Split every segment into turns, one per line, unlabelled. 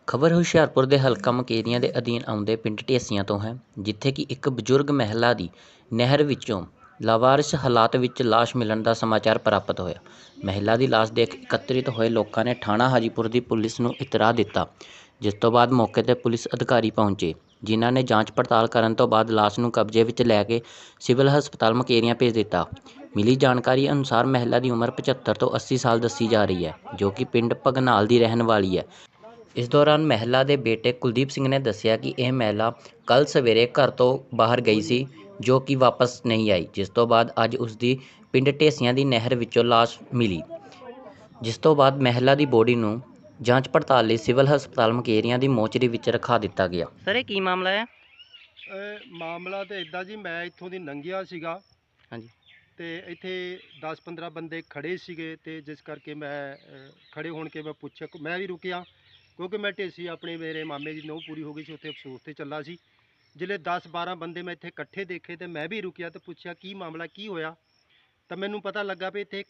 ਖਬਰ ਹੁਸ਼ਿਆਰਪੁਰ ਦੇ ਹਲਕਾ ਮੁਕੇਰੀਆਂ ਦੇ ਅਧੀਨ ਆਉਂਦੇ ਪਿੰਡ ਢੇਸੀਆਂ ਤੋਂ ਹੈ, ਜਿੱਥੇ ਕਿ ਇੱਕ ਬਜ਼ੁਰਗ ਮਹਿਲਾ ਦੀ ਨਹਿਰ ਵਿੱਚੋਂ ਲਾਵਾਰਿਸ ਹਾਲਾਤ ਵਿੱਚ ਲਾਸ਼ ਮਿਲਣ ਦਾ ਸਮਾਚਾਰ ਪ੍ਰਾਪਤ ਹੋਇਆ। ਮਹਿਲਾ ਦੀ ਲਾਸ਼ ਦੇਖ ਇਕੱਤਰਿਤ ਹੋਏ ਲੋਕਾਂ ਨੇ ਥਾਣਾ ਹਾਜੀਪੁਰ ਦੀ ਪੁਲਿਸ ਨੂੰ ਇਤਲਾਹ ਦਿੱਤਾ, ਜਿਸ ਤੋਂ ਬਾਅਦ ਮੌਕੇ 'ਤੇ ਪੁਲਿਸ ਅਧਿਕਾਰੀ ਪਹੁੰਚੇ, ਜਿਨ੍ਹਾਂ ਨੇ ਜਾਂਚ ਪੜਤਾਲ ਕਰਨ ਤੋਂ ਬਾਅਦ ਲਾਸ਼ ਨੂੰ ਕਬਜ਼ੇ ਵਿੱਚ ਲੈ ਕੇ ਸਿਵਲ ਹਸਪਤਾਲ ਮੁਕੇਰੀਆਂ ਭੇਜ ਦਿੱਤਾ। ਮਿਲੀ ਜਾਣਕਾਰੀ ਅਨੁਸਾਰ ਮਹਿਲਾ ਦੀ ਉਮਰ 75 ਤੋਂ 80 ਸਾਲ ਦੱਸੀ ਜਾ ਰਹੀ ਹੈ, ਜੋ ਕਿ ਪਿੰਡ ਭਗਨਾਲ ਦੀ ਰਹਿਣ ਵਾਲੀ ਹੈ। ਇਸ ਦੌਰਾਨ ਮਹਿਲਾ ਦੇ ਬੇਟੇ ਕੁਲਦੀਪ ਸਿੰਘ ਨੇ ਦੱਸਿਆ ਕਿ ਇਹ ਮਹਿਲਾ ਕੱਲ੍ਹ ਸਵੇਰੇ ਘਰ ਤੋਂ ਬਾਹਰ ਗਈ ਸੀ, ਜੋ ਕਿ ਵਾਪਸ ਨਹੀਂ ਆਈ, ਜਿਸ ਤੋਂ ਬਾਅਦ ਅੱਜ ਉਸ ਦੀ ਪਿੰਡ ਢੇਸੀਆਂ ਦੀ ਨਹਿਰ ਵਿੱਚੋਂ ਲਾਸ਼ ਮਿਲੀ, ਜਿਸ ਤੋਂ ਬਾਅਦ ਮਹਿਲਾ ਦੀ ਬੋਡੀ ਨੂੰ ਜਾਂਚ ਪੜਤਾਲ ਲਈ ਸਿਵਲ ਹਸਪਤਾਲ ਮੁਕੇਰੀਆਂ ਦੀ ਮੋਰਚਰੀ ਵਿੱਚ ਰਖਾ ਦਿੱਤਾ ਗਿਆ। ਸਰ, ਇਹ ਕੀ ਮਾਮਲਾ ਹੈ?
ਮਾਮਲਾ ਤਾਂ ਇੱਦਾਂ ਜੀ, ਮੈਂ ਇੱਥੋਂ ਦੀ ਲੰਘਿਆ ਸੀਗਾ।
ਹਾਂਜੀ।
ਤੇ ਇੱਥੇ 10-15 ਬੰਦੇ ਖੜੇ ਸੀਗੇ, ਤੇ ਜਿਸ ਕਰਕੇ ਮੈਂ ਖੜੇ ਹੋਣ ਕੇ ਮੈਂ ਪੁੱਛਿਆ, ਮੈਂ ਵੀ ਰੁਕਿਆ ਕਿਉਂਕਿ ਮੈਂ ਢੇਸੀ ਆਪਣੇ ਮੇਰੇ ਮਾਮੇ ਦੀ ਨੂੰਹ ਪੂਰੀ ਹੋ ਗਈ ਸੀ, ਉੱਥੇ ਅਫਸੋਸ 'ਤੇ ਚੱਲਾ ਸੀ। ਜਿਹੜੇ 10-12 ਬੰਦੇ ਮੈਂ ਇੱਥੇ ਇਕੱਠੇ ਦੇਖੇ ਤੇ ਮੈਂ ਵੀ ਰੁਕਿਆ ਤੇ ਪੁੱਛਿਆ ਕੀ ਮਾਮਲਾ ਕੀ ਹੋਇਆ, ਤਾਂ ਮੈਨੂੰ ਪਤਾ ਲੱਗਾ ਵੀ ਇੱਥੇ ਇੱਕ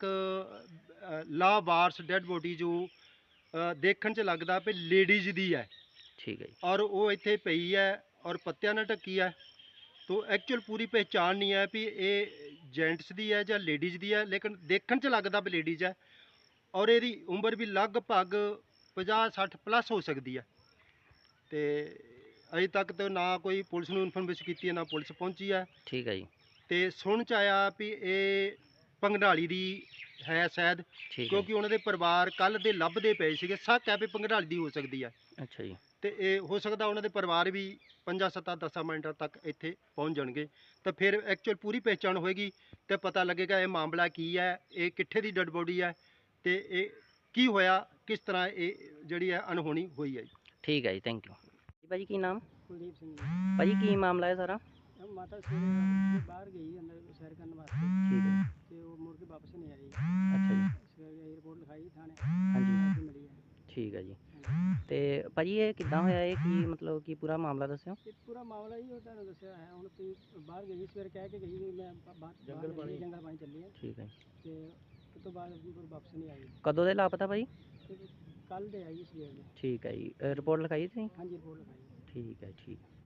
ਲਾਵਾਰਸ ਡੈਡ ਬੋਡੀ ਜੋ ਦੇਖਣ 'ਚ ਲੱਗਦਾ ਵੀ ਲੇਡੀਜ਼ ਦੀ ਹੈ।
ਠੀਕ ਹੈ ਜੀ।
ਔਰ ਉਹ ਇੱਥੇ ਪਈ ਹੈ ਔਰ ਪੱਤਿਆਂ ਨਾਲ ਢੱਕੀ ਹੈ। ਤੋ ਐਕਚੁਅਲ ਪੂਰੀ ਪਹਿਚਾਣ ਨਹੀਂ ਹੈ ਵੀ ਇਹ ਜੈਂਟਸ ਦੀ ਹੈ ਜਾਂ ਲੇਡੀਜ਼ ਦੀ ਹੈ, ਲੇਕਿਨ ਦੇਖਣ 'ਚ ਲੱਗਦਾ ਵੀ ਲੇਡੀਜ਼ ਹੈ। ਔਰ ਇਹਦੀ ਉਮਰ ਵੀ ਲਗਭਗ 50-60 ਪਲੱਸ ਹੋ ਸਕਦੀ ਹੈ। ਤੇ ਅਜੇ ਤੱਕ ਤਾਂ ਨਾ ਕੋਈ ਪੁਲਿਸ ਨੂੰ ਇਨਫੋਰਮੇਸ਼ਨ ਕੀਤੀ ਹੈ, ਨਾ ਪੁਲਿਸ ਪਹੁੰਚੀ ਹੈ।
ਠੀਕ ਹੈ ਜੀ।
ਤੇ ਸੁਣ 'ਚ ਆਇਆ ਵੀ ਇਹ ਭੰਗੜਾਲੀ ਦੀ ਹੈ ਸ਼ਾਇਦ, ਕਿਉਂਕਿ ਉਹਨਾਂ ਦੇ ਪਰਿਵਾਰ ਕੱਲ੍ਹ ਦੇ ਲੱਭਦੇ ਪਏ ਸੀਗੇ। ਸ਼ੱਕ ਹੈ ਵੀ ਭੰਗੜਾਲੀ ਦੀ ਹੋ ਸਕਦੀ ਹੈ।
ਅੱਛਾ ਜੀ।
ਤੇ ਇਹ ਹੋ ਸਕਦਾ ਉਹਨਾਂ ਦੇ ਪਰਿਵਾਰ ਵੀ 5-7-10 ਮਿੰਟਾਂ ਤੱਕ ਇੱਥੇ ਪਹੁੰਚ ਜਾਣਗੇ, ਤਾਂ ਫਿਰ ਐਕਚੁਅਲ ਪੂਰੀ ਪਹਿਚਾਣ ਹੋਏਗੀ ਤੇ ਪਤਾ ਲੱਗੇਗਾ ਇਹ ਮਾਮਲਾ ਕੀ ਹੈ, ਇਹ ਕਿੱਥੇ ਦੀ ਡੈਡ ਬੋਡੀ ਹੈ ਤੇ ਇਹ ਕੀ ਹੋਇਆ, ਕਿਸ ਤਰ੍ਹਾਂ ਇਹ ਜਿਹੜੀ ਹੈ ਅਣਹੋਣੀ ਹੋਈ ਹੈ ਜੀ।
ਠੀਕ ਹੈ ਜੀ, ਥੈਂਕ ਯੂ। ਭਾਜੀ ਕੀ ਨਾਮ?
ਕੁਲਦੀਪ ਸਿੰਘ ਜੀ।
ਭਾਜੀ ਕੀ ਮਾਮਲਾ ਹੈ ਸਾਰਾ?
ਮਾਤਾ ਸਵੇਰੇ ਬਾਹਰ ਗਈ ਅੰਦਰ ਸੈਰ ਕਰਨ ਵਾਸਤੇ,
ਠੀਕ ਹੈ ਜੀ।
ਤੇ ਉਹ ਮੁੜ ਕੇ ਵਾਪਸ ਨਹੀਂ ਆਈ।
ਅੱਛਾ ਜੀ।
ਸਵੇਰੇ ਰਿਪੋਰਟ ਲਿਖਾਈ ਥਾਣੇ,
ਹਾਂਜੀ।
ਮਿਲੀ ਹੈ।
ਠੀਕ ਹੈ ਜੀ।
ਹਾਂਜੀ।
ਤੇ ਭਾਜੀ ਇਹ ਕਿੱਦਾਂ ਹੋਇਆ, ਇਹ ਕੀ ਮਤਲਬ ਕੀ ਪੂਰਾ ਮਾਮਲਾ ਦੱਸਿਓ?
ਇਹ ਪੂਰਾ ਮਾਮਲਾ ਹੀ ਉਹ ਤੁਹਾਨੂੰ ਦੱਸਿਆ ਹੈ। ਹੁਣ ਤੁਸੀਂ ਬਾਹਰ ਗਈ ਸਵੇਰੇ ਕਹਿ ਕੇ ਗਈ ਵੀ ਮੈਂ ਜੰਗਲ ਪਾਣੀ ਚੱਲੀ ਹੈ।
ਠੀਕ ਹੈ।
ਤੇ ਉਸ ਤੋਂ ਬਾਅਦ ਵਾਪਸ ਨਹੀਂ ਆਈ।
ਕਦੋਂ ਦੇ ਲਾਪਤਾ ਭਾਜੀ?
ਕੱਲ੍ਹ ਦੇ ਆਈ ਸਵੇਰ ਦੇ।
ਠੀਕ ਹੈ ਜੀ। ਰਿਪੋਰਟ ਲਿਖਾਈ ਤੁਸੀਂ?
ਹਾਂਜੀ, ਰਿਪੋਰਟ ਲਿਖਾਈ।
ਠੀਕ ਹੈ, ਠੀਕ।